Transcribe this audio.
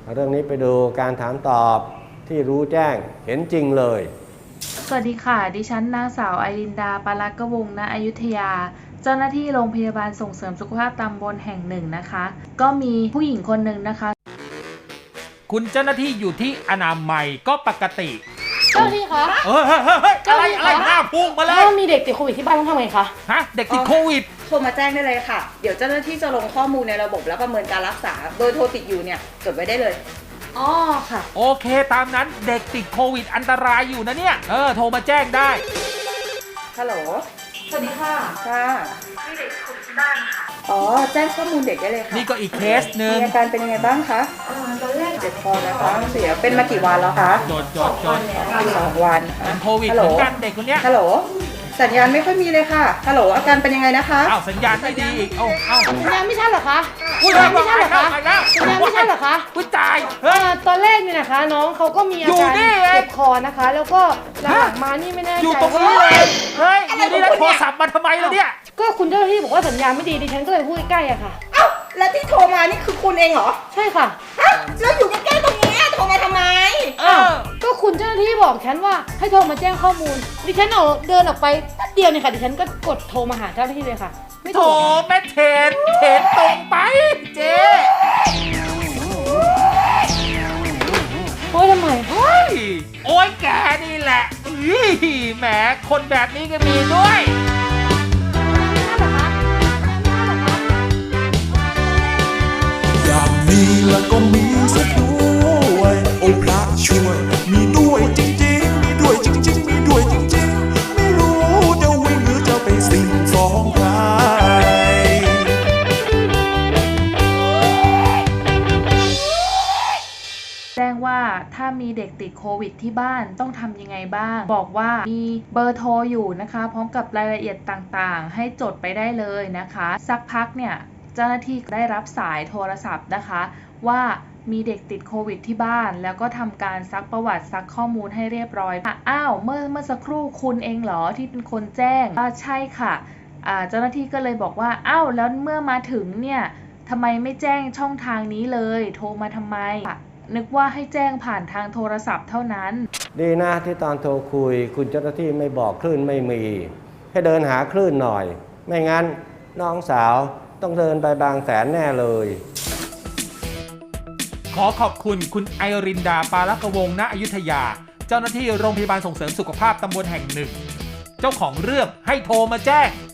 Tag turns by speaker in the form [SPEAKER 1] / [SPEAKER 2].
[SPEAKER 1] เรื่องนี้ไปดูการถามตอบที่รู้แจ้งเห็นจริงเลย
[SPEAKER 2] สวัสดีค่ะ ดิฉันนางสาวไอรินดา ปาลักกวงศ์ ณ อยุธยา เจ้าหน้าที่โรงพยาบาลส่งเสริมสุขภาพตำบลแห่งหนึ่งนะคะ ก็มีผู้หญิงคนหนึ่งนะคะ
[SPEAKER 3] คุณเจ้าหน้าที่อยู่ที่อนามัยก็ปกติ
[SPEAKER 4] เจ้าหน้าที่คะ
[SPEAKER 3] เฮ้ยอะไรหน้าพุ่งมาเลย
[SPEAKER 4] ถ้ามีเด็กติดโควิดที่บ้านต้องทำไงคะ
[SPEAKER 3] ฮะเด็กติดโควิด
[SPEAKER 5] โทรมาแจ้งได้เลยค่ะ เดี๋ยวเจ้าหน้าที่จะลงข้อมูลในระบบแล้วประเมินการรักษา เบอร์โทรติดอยู่เนี่ยจดไว้ได้เลย
[SPEAKER 4] อ๋อค่ะ
[SPEAKER 3] โอเคตามนั้นเด็กติดโควิดอันตรายอยู่นะเนี่ยโทรมาแจ้งได้
[SPEAKER 5] ฮัลโหล
[SPEAKER 4] สวัสดีค่ะ
[SPEAKER 5] ค่ะมีเด็กคนที่บ้านค่ะ อ๋อ แจ้งข้อมูลเด็กได้เลยค่ะ
[SPEAKER 3] นี่ก็อีกเคสหนึ่ง
[SPEAKER 5] มีอาการเป็นยังไงบ้างคะตอนแรกเจ็บคอนะคะเสียเป็นมากี่วันแล้วคะ
[SPEAKER 3] จด
[SPEAKER 5] 2 วัน
[SPEAKER 3] เป็นโควิด
[SPEAKER 5] ฮัล
[SPEAKER 3] เห
[SPEAKER 5] โหล
[SPEAKER 3] มือนกันเด็กคนเนี้ย
[SPEAKER 5] ฮัลโหล สัญญาณไม่ค่อยมีเลยค่ะ ฮัลโหล อาการเป็นยังไงนะคะ
[SPEAKER 3] อ้าวสัญญาณไม่ดีอีกเอ้า
[SPEAKER 4] สัญญาณไม่ชัดเหรอคะ
[SPEAKER 3] อุ้ย
[SPEAKER 4] สัญญาณไม่ชัดเหรอคะ
[SPEAKER 3] ไปแล้ว
[SPEAKER 4] สัญญาณไม่ชัดเหรอคะ
[SPEAKER 3] อุ้ยตายเฮ้ย
[SPEAKER 4] ตอนแรกเนี่ยนะคะ น้องเขาก็มีอา
[SPEAKER 3] อยู่
[SPEAKER 4] การ
[SPEAKER 3] นี่เอง
[SPEAKER 4] เจ็บคอนะคะ แล้วก็หลังๆมานี่ไม่แน่
[SPEAKER 3] อยู่
[SPEAKER 4] ใจ
[SPEAKER 3] ตรงนี้
[SPEAKER 4] ว่า
[SPEAKER 3] เลยเฮ้ยอยู่นี่แล้วโทรศัพท์มาทำไมล่ะเนี่ย
[SPEAKER 4] ก็คุณเจ้าหน้าที่บอกว่าสัญญาณไม่ดีดิฉันก็เลยพูดใกล้ๆอะค่ะ
[SPEAKER 5] เอ้า แล้วที่โทรมานี่คือคุณเองเหรอ
[SPEAKER 4] ใช่ค่ะ
[SPEAKER 5] ฮะแล้วอยู่ใกล้ๆตรงนี้โทรมาทำไม
[SPEAKER 4] ก็คุณเจ้าหน้าที่บอกฉันว่าให้โทรมาแจ้งข้อมูล ดิฉันเดินออกไปแป๊บเดียวเนี่ยค่ะ ดิฉันก็กดโทรมาหาเจ้าหน้าที่เลยค่ะ ไม่
[SPEAKER 3] โถ
[SPEAKER 4] ถูก
[SPEAKER 3] แม่เทนตรงไปเจ๊
[SPEAKER 4] โอ้ยทำไม
[SPEAKER 3] เฮ้ยโอ้ยแกนี่แหละอื้อแหมคนแบบนี้ก็มีด้วย
[SPEAKER 6] อย่างนี้แล้วก็มีสักด้วยโอ้พระช่วยมีด้วยจริงๆมีด้วยจริงๆมีด้วยจริงๆไม่รู้จะวิ่งหรือจะไปสิ่งฟ้องใคร
[SPEAKER 2] แจ้งว่าถ้ามีเด็กติดโควิดที่บ้านต้องทำยังไงบ้าง บอกว่ามีเบอร์โทรอยู่นะคะ พร้อมกับรายละเอียดต่างๆ ให้จดไปได้เลยนะคะ สักพักเนี่ยเจ้าหน้าที่ได้รับสายโทรศัพท์นะคะ ว่ามีเด็กติดโควิดที่บ้านแล้วก็ทำการซักประวัติซักข้อมูลให้เรียบร้อยอ้าวเมื่อสักครู่คุณเองเหรอที่เป็นคนแจ้งใช่ค่ะเจ้าหน้าที่ก็เลยบอกว่าอ้าวแล้วเมื่อมาถึงเนี่ยทำไมไม่แจ้งช่องทางนี้เลยโทรมาทำไมนึกว่าให้แจ้งผ่านทางโทรศัพท์เท่านั้น
[SPEAKER 1] ดีนะที่ตอนโทรคุยคุณเจ้าหน้าที่ไม่บอกคลื่นไม่มี ให้เดินหาคลื่นหน่อย ไม่งั้นน้องสาวต้องเดินไปบางแสนแน่เลย
[SPEAKER 3] ขอขอบคุณคุณไอรินดา ปาลักกวงศ์ ณ อยุธยา เจ้าหน้าที่โรงพยาบาลส่งเสริมสุขภาพตำบลแห่งหนึ่ง เจ้าของเรื่องให้โทรมาแจ้ง